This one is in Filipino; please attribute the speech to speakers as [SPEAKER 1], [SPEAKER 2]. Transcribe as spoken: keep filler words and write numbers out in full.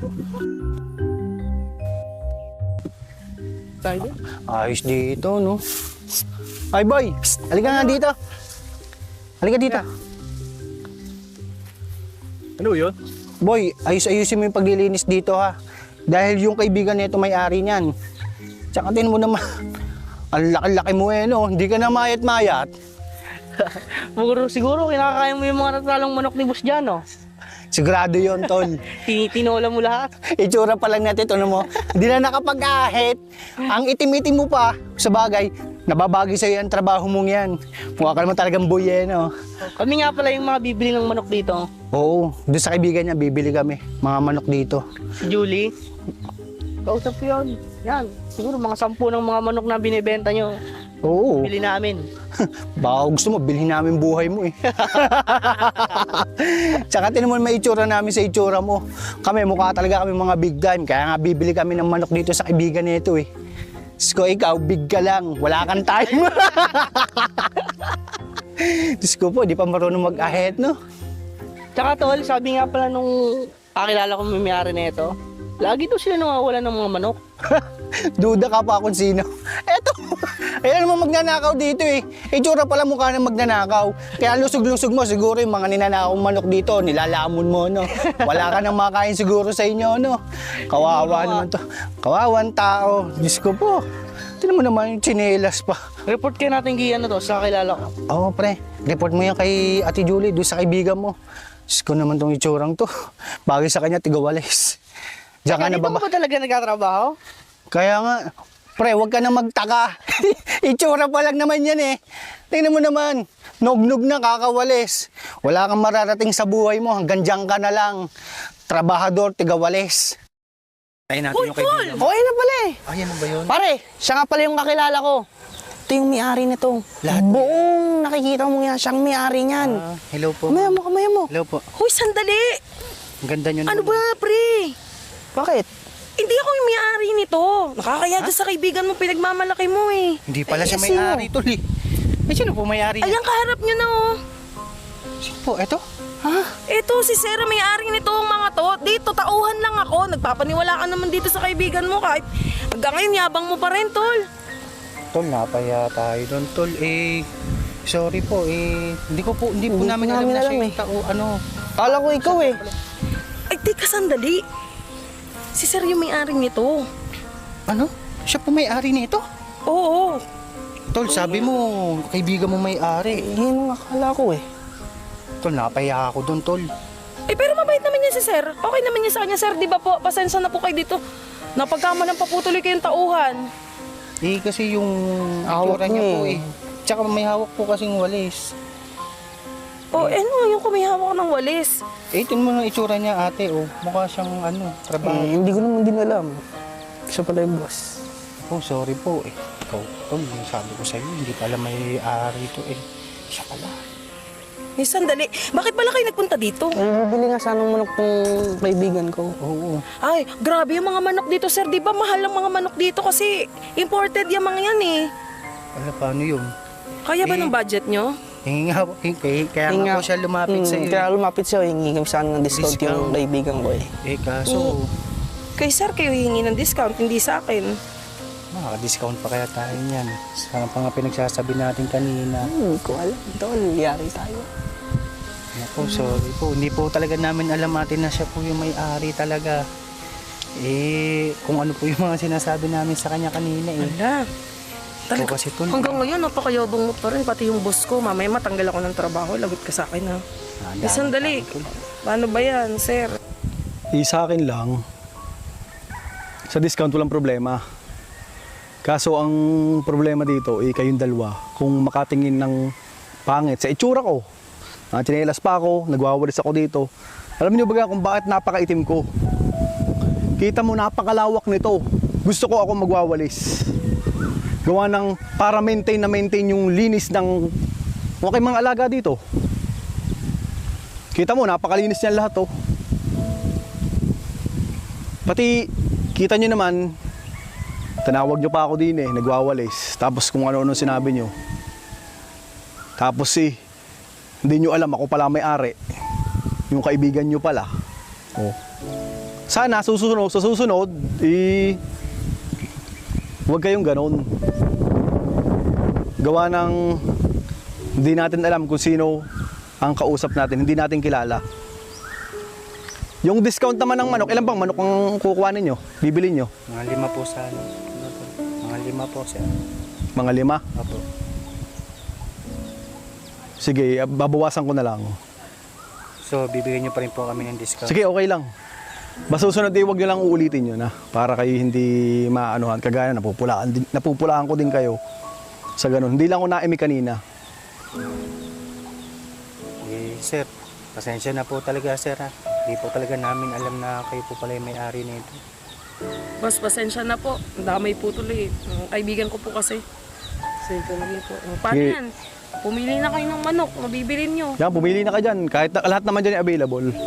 [SPEAKER 1] Tayo.
[SPEAKER 2] Ayos dito, no? Ay, boy! Psst, halika nga dito. Halika dito.
[SPEAKER 1] Ano yun?
[SPEAKER 2] Boy, ayos-ayusin mo yung paglilinis dito, ha? Dahil yung kaibigan nito may-ari niyan. Tsaka tin mo naman, ang laki-laki mo eh, no? Hindi ka na mayat-mayat.
[SPEAKER 3] Siguro, siguro kinakaya mo yung mga natalong manok ni Boss Jan, no?
[SPEAKER 2] Sigurado yon, tol.
[SPEAKER 3] Tinitinola mo lahat.
[SPEAKER 2] Itsura pa lang natin, ano mo? Hindi na nakapag-ahit. Ang itim-itim mo pa, sa bagay, nababagi sa'yo ang trabaho mong yan. Mukha ka naman talagang boy eh, no?
[SPEAKER 3] Kami nga pala yung mga bibili ng manok dito.
[SPEAKER 2] Oo, doon sa kaibigan niya, bibili kami. Mga manok dito.
[SPEAKER 3] Si Julie. Kausap ko yun. Yan. Siguro mga sampu ng mga manok na binibenta nyo.
[SPEAKER 2] Oo.
[SPEAKER 3] Bili namin.
[SPEAKER 2] Baka gusto mo, bilhin namin buhay mo eh. Tsaka tinan mo may itsura namin sa itsura mo. Kami, mukha talaga kami mga big time. Kaya nga bibili kami ng manok dito sa kaibigan nito eh. Sko, ikaw, big ka lang. Wala kang time. Diyos ko po, di pa marunong mag-ahead, no?
[SPEAKER 3] Tsaka tol, sabi nga pala nung kakilala ko may-ari na ito, lagi to sila nawawala ng mga manok.
[SPEAKER 2] Duda ka pa kung sino. Eto, ayan naman magnanakaw dito eh. Itsura pala mukha ng magnanakaw. Kaya lusog-lusog mo, siguro yung mga ninanakong manok dito, nilalamon mo, no? Wala ka nang makain siguro sa inyo, no? Kawawa naman to. Kawawang tao. Diyos ko po. Tinan mo naman yung tsinelas pa.
[SPEAKER 3] Report kayo natin kay ano to, sa kakilala ko.
[SPEAKER 2] Oo, pre. Report mo yan kay Ate Julie, doon sa kaibigan mo. Diyos ko naman tong itsurang to. Bagay sa kanya, tigawalis. Diyan ka na
[SPEAKER 3] Dito
[SPEAKER 2] baba.
[SPEAKER 3] ka ba talaga nagkatrabaho?
[SPEAKER 2] Kaya nga, pre, huwag ka na magtaka. Itsura pa lang naman yan eh. Tingnan mo naman, nog-nog na kakawalis. Wala kang mararating sa buhay mo, hanggang dyan ka na lang. Trabahador, tigawalis. Tayo natin yung kaibigan.
[SPEAKER 3] Okay na pala eh.
[SPEAKER 2] Ay, ano ba yun?
[SPEAKER 3] Pare, siya nga pala yung kakilala ko. Ito yung may-ari nito.
[SPEAKER 2] Lahat?
[SPEAKER 3] Buong nakikita mo yan, siyang may-ari niyan.
[SPEAKER 2] Ah, hello po.
[SPEAKER 3] Kamaya mo, kamaya mo.
[SPEAKER 2] Hello po.
[SPEAKER 4] Hoy, sandali!
[SPEAKER 2] Ang ganda nyo
[SPEAKER 4] Ano
[SPEAKER 2] naman.
[SPEAKER 4] ba, pre?
[SPEAKER 3] Bakit?
[SPEAKER 4] Hindi ako yung may-ari nito. Nakakaya dyan sa kaibigan mo, pinagmamalaki mo eh.
[SPEAKER 2] Hindi pala
[SPEAKER 3] Ay,
[SPEAKER 2] siya
[SPEAKER 3] sino?
[SPEAKER 2] may-ari tol eh. Eh, sino po may-ari niya?
[SPEAKER 4] Ayan, kaharap nyo na oh.
[SPEAKER 2] Sino po? Eto?
[SPEAKER 4] Eto, si Sarah may-ari nito ang mga to. Dito, tauhan lang ako. Nagpapaniwala ka naman dito sa kaibigan mo kahit hanggang ngayon yabang mo pa rin, tol.
[SPEAKER 2] Tol, napaya tayo doon, tol. Eh, sorry po, eh, hindi ko po, hindi po
[SPEAKER 3] Hindi
[SPEAKER 2] namin
[SPEAKER 3] po
[SPEAKER 2] alam
[SPEAKER 3] namin
[SPEAKER 2] na
[SPEAKER 3] alam
[SPEAKER 2] siya yung
[SPEAKER 3] eh.
[SPEAKER 2] tao, ano.
[SPEAKER 3] Kala ko ikaw eh.
[SPEAKER 4] Ay, teka, sandali. Si Sarah yung may-ari nito.
[SPEAKER 2] Ano? Siya po may-ari nito?
[SPEAKER 4] Oo.
[SPEAKER 2] Tol, sabi mo, kaibigan mo may-ari.
[SPEAKER 3] Yun ang akala ko eh.
[SPEAKER 2] Tol, napaya ako doon, tol.
[SPEAKER 4] Eh, pero mabait naman yan si Sir. Okay naman yan sa kanya, Sir. Di ba po? Pasensya na po kayo dito. Napagkamalang paputuloy kayong tauhan.
[SPEAKER 2] Eh, kasi yung
[SPEAKER 3] Hawak
[SPEAKER 2] itsura niya
[SPEAKER 3] niya
[SPEAKER 2] po
[SPEAKER 3] eh.
[SPEAKER 2] eh. Tsaka may hawak po kasing walis.
[SPEAKER 4] Oh, eh, ano yung kumihawak ng walis?
[SPEAKER 2] Eh, tingnan mo ng itsura niya, ate, oh. Mukha siyang, ano, trabaho.
[SPEAKER 3] Eh, hindi ko naman din alam. Siya pala yung boss.
[SPEAKER 2] Oh, sorry po, eh. Ikaw, tol, yung sabi ko sa'yo, hindi pala may-ari ito, eh. Siya pala.
[SPEAKER 4] Eh, sandali. Bakit pala kayo nagpunta dito?
[SPEAKER 3] Eh, bibili nga sanang manok ng kaibigan ko.
[SPEAKER 2] Oo.
[SPEAKER 4] Ay, grabe yung mga manok dito, sir. Di ba mahal ang mga manok dito kasi imported yung mga yan eh.
[SPEAKER 2] Wala, paano yun?
[SPEAKER 4] Kaya ba
[SPEAKER 2] Eh,
[SPEAKER 4] ng budget nyo?
[SPEAKER 2] Hingi nga, hingi, kaya
[SPEAKER 3] Yun
[SPEAKER 2] nga
[SPEAKER 3] nga.
[SPEAKER 2] po siya lumapit
[SPEAKER 3] Mm,
[SPEAKER 2] sa'yo.
[SPEAKER 3] Kaya
[SPEAKER 2] eh.
[SPEAKER 3] lumapit siya, hingi kami sana ng discount,
[SPEAKER 2] Discount.
[SPEAKER 3] yung kaibigan ko eh.
[SPEAKER 2] Eh, kaso,
[SPEAKER 4] Kay sir, kayo hingi ng discount, hindi sa akin.
[SPEAKER 2] makaka-discount pa kaya tayo niyan. Sa pa nga pinagsasabi natin kanina.
[SPEAKER 3] Hmm, ko alam. Tol, yari tayo.
[SPEAKER 2] Naku, sorry po. Hindi po talaga namin alam natin na siya po yung may-ari talaga. Eh, kung ano po yung mga sinasabi namin sa kanya kanina eh.
[SPEAKER 4] Wala.
[SPEAKER 2] Ikaw kasi tol.
[SPEAKER 4] Hanggang ngayon, napakayabang mo pa rin. Pati yung boss ko, mamaya matanggal ako ng trabaho. Lagot ka sa akin ha.
[SPEAKER 2] Ah,
[SPEAKER 4] Eh, sandali. Paano ba yan, sir?
[SPEAKER 1] Eh, sa akin lang, sa discount walang problema. Kaso ang problema dito, eh, kayong dalawa, kung makatingin ng pangit sa itsura ko, uh, tsinelas pa ako, nagwawalis ako dito. Alam niyo ba kung bakit napakaitim ko? Kita mo, napakalawak nito. Gusto ko ako magwawalis. Gawa ng para maintain na maintain yung linis ng okay mga alaga dito. Kita mo, napakalinis niyan lahat oh. Pati, kita nyo naman, tinawag nyo pa ako din eh, nagwawalis. Tapos kung ano-ano sinabi nyo. Tapos eh, hindi nyo alam, ako pala may-ari. Yung kaibigan nyo pala. Oh. sana susunod, sa susunod, eh, huwag kayong ganon. Gawa ng hindi natin alam kung sino ang kausap natin, hindi natin kilala. Yung discount naman ng manok, ilan bang manok ang kukuha ninyo? Bibili nyo?
[SPEAKER 2] Mga lima po sa ano. ano to? Mga lima po sir.
[SPEAKER 1] Mga lima?
[SPEAKER 2] Opo.
[SPEAKER 1] Sige, babawasan ko na lang.
[SPEAKER 2] So, bibigyan niyo pa rin po kami ng discount.
[SPEAKER 1] Sige, okay lang. Basta susunod eh, huwag nyo lang uulitin yun ha. Para kayo hindi maanuhan. Kagaya, napupulaan, din, napupulaan ko din kayo sa ganun. Hindi lang ko naimi kanina.
[SPEAKER 2] Eh, sir, pasensya na po talaga sir ha. Hindi po talaga namin alam na kayo po pala yung may-ari nito.
[SPEAKER 4] Boss, pasensya na po. Ang damay po tuloy. Ang kaibigan ko po kasi. Pasensya na po. Paano
[SPEAKER 1] Sige.
[SPEAKER 4] yan? Pumili na kayo ng manok, mabibilin nyo.
[SPEAKER 1] Yan, pumili na ka dyan. Kahit na, lahat naman dyan ay available.